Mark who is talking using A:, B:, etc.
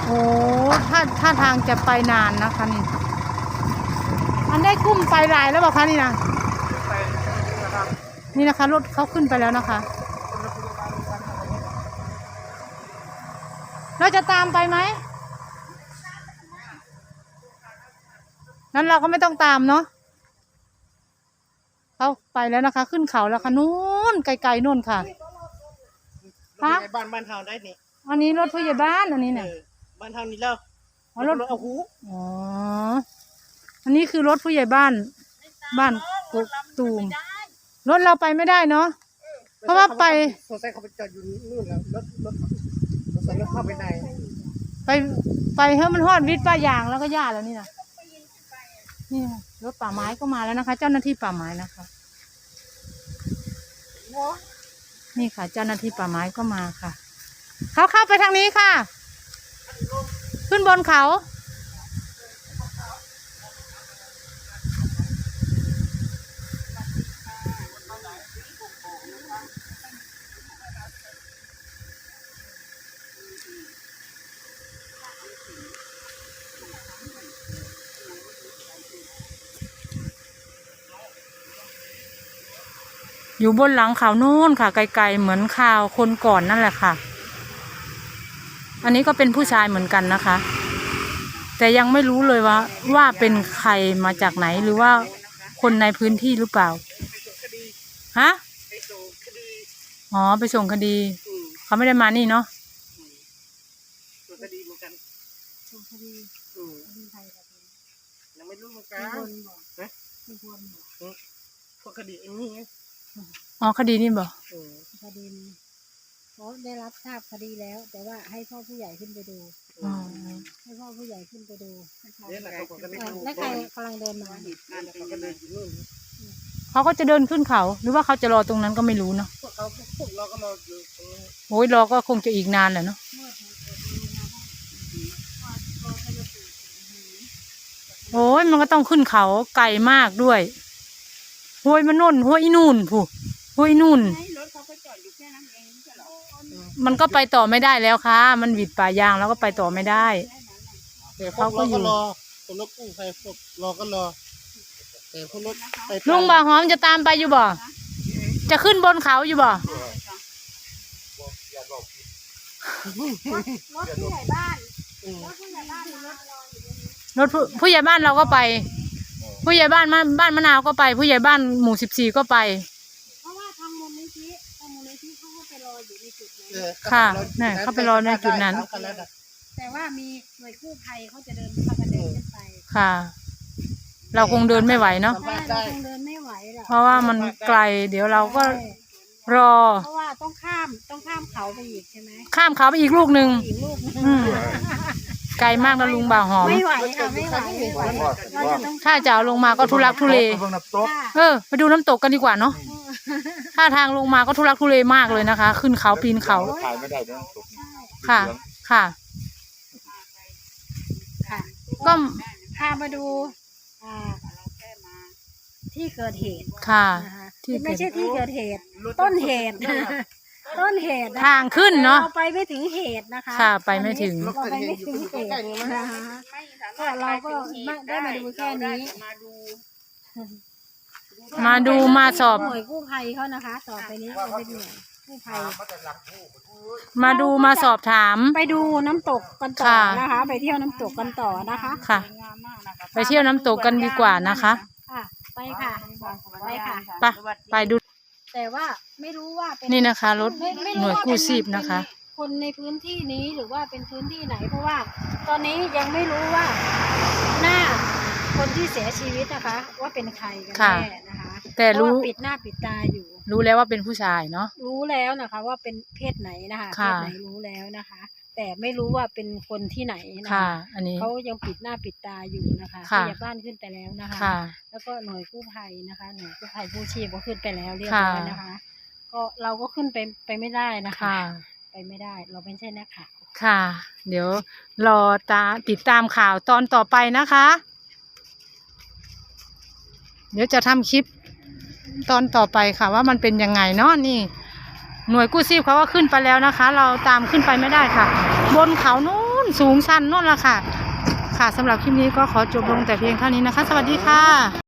A: โอ้ถ้าทางจะไปนานนะคะนี่อันได้กุ้มไปหลายแล้วบอกคะนี่นะนี่นะคะรถเขาขึ้นไปแล้วนะคะเราจะตามไปไหมนั้นเราก็ไม่ต้องตามเนาะเขาไปแล้วนะคะขึ้นเขาแล้วค่ะนู้นไกลๆนู่นค่ะ
B: บ้านเฮาได้นี่
A: อันนี้รถผู้ใหญ่บ้านอันนี้เนี่ย
B: บ้านเฮานี่แล้ว
A: รถ
B: เอาหู
A: อ๋ออันนี้คือรถผู้ใหญ่บ้านกกตูมรถเราไปไม่ได้เนาะเพราะว่าไป
B: สงสัยเขาไปจอดอยู่นู่นแล้วรถสงสัยรถเข้าไปใน
A: ไปเฮ้ยมันฮอดวิทย์ป้ายางแล้วก็ย่าแล้วนี่นะนี่รถป่าไม้ก็มาแล้วนะคะ เจ้าหน้าที่ป่าไม้นะคะนี่ค่ะเจ้าหน้าที่ป่าไม้ก็มาค่ะเขาเข้าไปทางนี้ค่ะขึ้นบนเขาอยู่บนหลังเขาโน่นค่ะไกลๆเหมือนข่าวคนก่อนนั่นแหละค่ะอันนี้ก็เป็นผู้ชายเหมือนกันนะคะแต่ยังไม่รู้เลยว่าเป็นใครมาจากไหนหรือว่าคนในพื้นที่หรือเปล่าฮะอ๋อไปส่งคดีเขาไม่ได้มานี่เนาะ
B: ส่งคดีเหมือนกันส่งคดีใครยังไม่รู้เหมือนกันพวกคดีอย่างนี้
A: อ๋อคดีนี่บอก
C: คดีเขาได้รับทราบคดีแล้วแต่ว่าให้พ่อผู้ใหญ่ขึ้นไปดูให้พ่อผู้ใหญ่ขึ้นไปดูแล้วใครกำลังเดินมา
A: เขาก็จะเดินขึ้นเขาหรือว่าเขาจะรอตรงนั้นก็ไม่รู้เนาะ
B: พวกเราก็รออยู่ตรงนี้
A: โอ้ยรอก็คงจะอีกนานแหละเนาะโอ้ยมันก็ต้องขึ้นเขาไกลมากด้วยห้วยมันนุ่นห้วยนู่นผู้ห้วยนู่นมันก็ไปต่อไม่ได้แล้วค่ะมันหวิดป่ายางแล้วก็ไปต่อไม่ได้
B: แต่เขาก็อยู่รอรถกู้ภัยพวกรอก็รอแต่พวกรถ
A: ลุงบ่าวหอมจะตามไปอยู่บ่จะขึ้นบนเขาอยู่บ่
C: รถผู้ใหญ่บ้าน
A: รถผู้ใหญ่บ้านเราก็ไปผู้ใหญ่บ้านมะนาวก็ไปผู้ใหญ่บ้านหมู่14ก็ไป
C: เพราะว่าทางมูลนิธิเขาก็ไปรออยู่ในจุดนั้น
A: ค่ะนี่เขาไปรอในจุดนั้น
C: แต่ว่ามีหน่วยกู้ภัยเขาจะเดินเข้ามาเดินขึ้นไป
A: ค่ะเราคงเดินไม่ไหวเนาะ
C: เราคงเดินไม่ไหวหรอก
A: เพราะว่ามันไกลเดี๋ยวเราก็รอ
C: เพราะว่าต้องข้ามเขาไปอีกใช่ไหม
A: ข้ามเขาไปอีกลูกหนึ่งไกลมากนะลุงบ่าวหอม
C: ไม่ไหวค่ะไม่ไหว
A: ถ้าจะเอาลงมาก็ทุลักทุเลไปดูน้ำตกกันดีกว่าเนาะถ้าทางลงมาก็ทุลักทุเลมากเลยนะคะขึ้นเขาปีนเขาค่ะค่ะก็
C: พามาดูที่เกิดเหตุ
A: ค่ะ
C: ไม่ใช่ที่เกิดเหตุต้นเหตุ
A: ทางขึ้นเนาะ
C: เราไปไม่ถึงเหตุนะคะ
A: ค่ะไปไม่ถึง
C: เหตุนะคะก็เราก็ได้มาดูแค่นี้
A: มาดูมาสอบ
C: หน่วยกู้ภัยเขานะคะต่อไปนี้เป็นหน่วยกู้ภัย
A: มาดูมาสอบถาม
C: ไปดูน้ำตกกันต่อนะคะไปเที่ยวน้ำตกกันต่อนะคะ
A: ค่ะไปเที่ยวน้ำตกกันดีกว่านะคะ
C: ไปค่ะ
A: ไปดู
C: แต่ว่าไม่รู้ว่าเป็น
A: นี่นะคะรถหน่วยกู้ชีพนะคะ
C: คนในพื้นที่นี้หรือว่าเป็นพื้นที่ไหนเพราะว่าตอนนี้ยังไม่รู้ว่าหน้าคนที่เสียชีวิตนะคะว่าเป็นใครกันแน่นะคะ
A: แต่รู้
C: ปิดหน้าปิดตาอยู่
A: รู้แล้วว่าเป็นผู้ชายเนาะ
C: รู้แล้วนะคะว่าเป็นเพศไหนนะคะเพศไหนรู้แล้วนะคะแต่ไม่รู้ว่าเป็นคนที่ไหนนะคะ
A: อันนี้
C: เขายังปิดหน้าปิดตาอยู่นะคะพยาบ้านขึ้นไปแล้วนะคะแล้วก็หน่วยกู้ภัยนะคะหน่วยกู้ภัยกู้ชีพก็ขึ้นไปแล้วเรียบร้อยนะคะก็เราก็ขึ้นไปไม่ได้นะคะไปไม่ได้เราไม่ใช่นักข่าว
A: ค่ะเดี๋ยวรอติดตามข่าวตอนต่อไปนะคะเดี๋ยวจะทำคลิปตอนต่อไปค่ะว่ามันเป็นยังไงเนาะนี่หน่วยกู้ชีพเขาก็ขึ้นไปแล้วนะคะเราตามขึ้นไปไม่ได้ค่ะบนเขานู้นสูงชันนู่นละค่ะค่ะสำหรับคลิปนี้ก็ขอจบลงแต่เพียงเท่านี้นะคะ สวัสดีค่ะ